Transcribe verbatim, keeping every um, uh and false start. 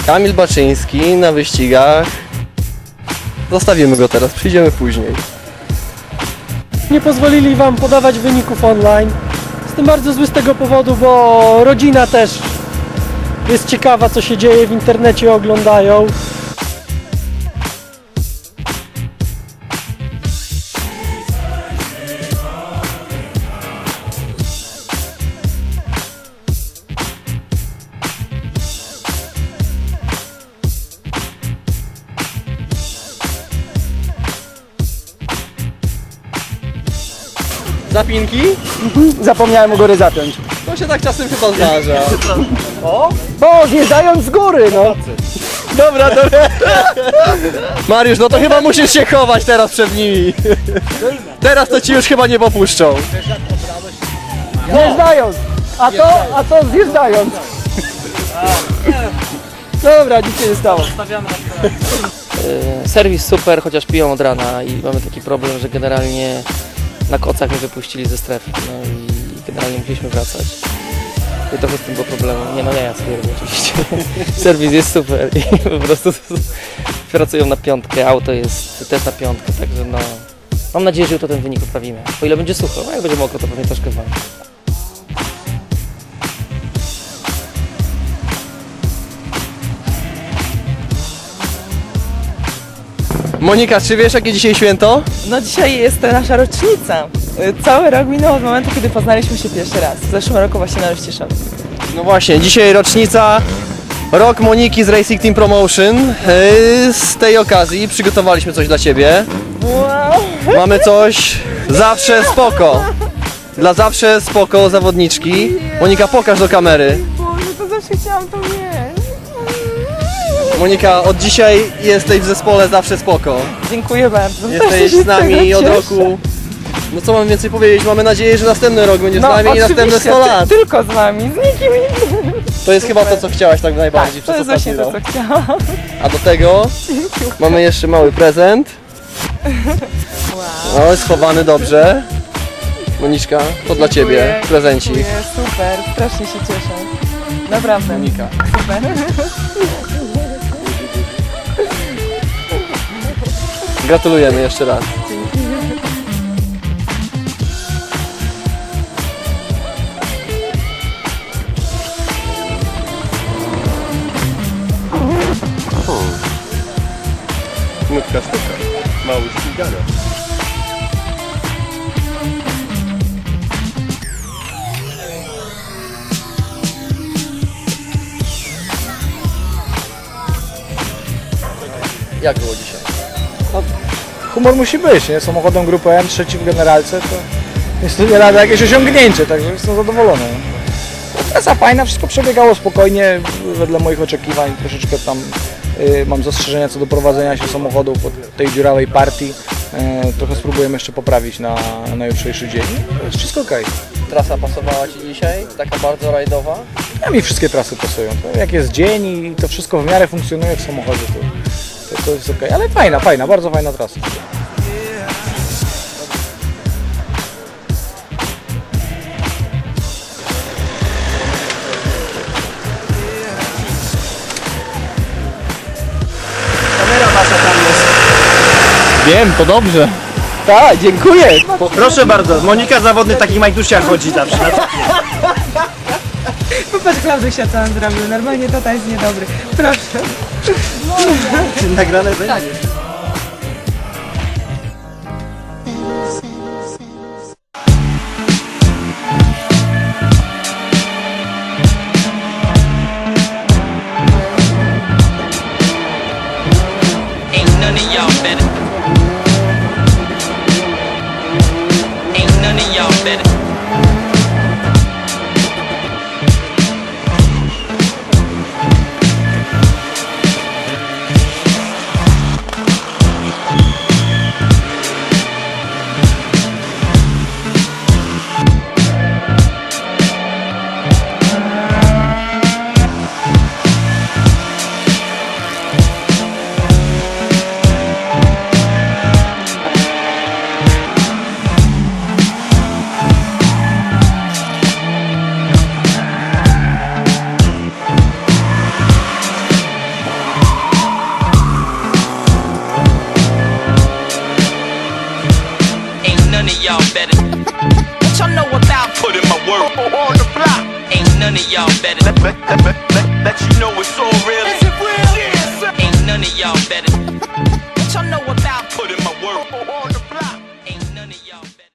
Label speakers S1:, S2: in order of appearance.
S1: Kamil Baczyński na wyścigach. Zostawimy go teraz, przyjdziemy później.
S2: Nie pozwolili wam podawać wyników online. Jestem bardzo zły z tego powodu, bo rodzina też jest ciekawa, co się dzieje w internecie, oglądają.
S1: Zapinki?
S3: Zapomniałem u góry zapiąć.
S1: To się tak czasem chyba zdarza.
S3: O? Bo zjeżdżając z góry, no.
S1: Dobra, dobra. Mariusz, no to chyba musisz się chować teraz przed nimi. Teraz to ci już chyba nie popuszczą.
S3: Zjeżdżając. A to, a to zjeżdżając. Dobra, nic się nie stało.
S4: Serwis super, chociaż piją od rana i mamy taki problem, że generalnie na kocach mnie wypuścili ze strefy, no i generalnie musieliśmy wracać. I trochę z tym było problemu. Nie no, nie, ja stwierdzę oczywiście. Serwis jest super i po prostu pracują na piątkę, auto jest też na piątkę, także no... Mam nadzieję, że jutro ten wynik poprawimy. O ile będzie sucho, a jak będzie mokro, to pewnie troszkę wam.
S1: Monika, czy wiesz jakie dzisiaj święto?
S5: No dzisiaj jest to nasza rocznica. Cały rok minął od momentu, kiedy poznaliśmy się pierwszy raz. W zeszłym roku właśnie na Rościszowcu.
S1: No właśnie, dzisiaj rocznica rok Moniki z Racing Team Promotion. Yy, Z tej okazji przygotowaliśmy coś dla Ciebie.
S5: Wow!
S1: Mamy coś zawsze spoko. Dla zawsze spoko zawodniczki. Monika, pokaż do kamery.
S5: Boże, to zawsze chciałam to mieć.
S1: Monika, od dzisiaj jesteś w zespole zawsze spoko.
S5: Dziękuję bardzo.
S1: Jesteś
S5: Też się
S1: z nami
S5: tego
S1: od
S5: cieszę.
S1: roku. No co mam więcej powiedzieć? Mamy nadzieję, że następny rok będziesz
S5: No,
S1: z nami i następne
S5: oczywiście,
S1: sto lat.
S5: ty- Tylko z nami, z nikim innym.
S1: To jest chyba to, co chciałaś tak najbardziej
S5: To
S1: przez
S5: jest właśnie
S1: ostatni
S5: to,
S1: rok.
S5: co chciałam.
S1: A do tego mamy jeszcze mały prezent.
S5: Wow.
S1: No, schowany dobrze. Moniczka, to dla Ciebie
S5: Dziękuję,
S1: prezencik.
S5: dziękuję, super, strasznie się cieszę. Naprawdę.
S1: Monika.
S5: Super.
S1: Gratulujemy jeszcze raz. Nutka sztuka. Mały ścigania. Jak było dzisiaj?
S3: Humor musi być, nie? Samochodem grupy M, trzeci w generalce, to jest to nie lada jakieś osiągnięcie, także jestem zadowolony. Trasa fajna, wszystko przebiegało spokojnie, wedle moich oczekiwań. Troszeczkę tam y, mam zastrzeżenia co do prowadzenia się samochodu po tej dziurawej partii. Y, trochę spróbujemy jeszcze poprawić na, na jutrzejszy dzień. Jest wszystko okej.
S1: Trasa pasowała Ci dzisiaj? Taka bardzo rajdowa?
S3: A mi wszystkie trasy pasują. To jak jest dzień i to wszystko w miarę funkcjonuje w samochodzie, to, to, to jest okej. Ale fajna, fajna, bardzo fajna trasa. Kamera nasza tam jest.
S6: Wiem, to dobrze.
S3: Tak, dziękuję.
S6: Proszę bardzo, Monika zawodny w takich majtuszkach chodzi zawsze.
S5: Popatrz, Klaudusia, co on zrobił. Normalnie to jest niedobry. Proszę.
S6: Nagrane będzie.
S7: Ain't none of y'all better. Ain't none of y'all better. none of y'all better. What y'all know about putting my work on the block? Ain't none of y'all better. Let, let, let, let, let, let you know it's all real. Is it real? Yeah, ain't none of y'all better. What y'all know about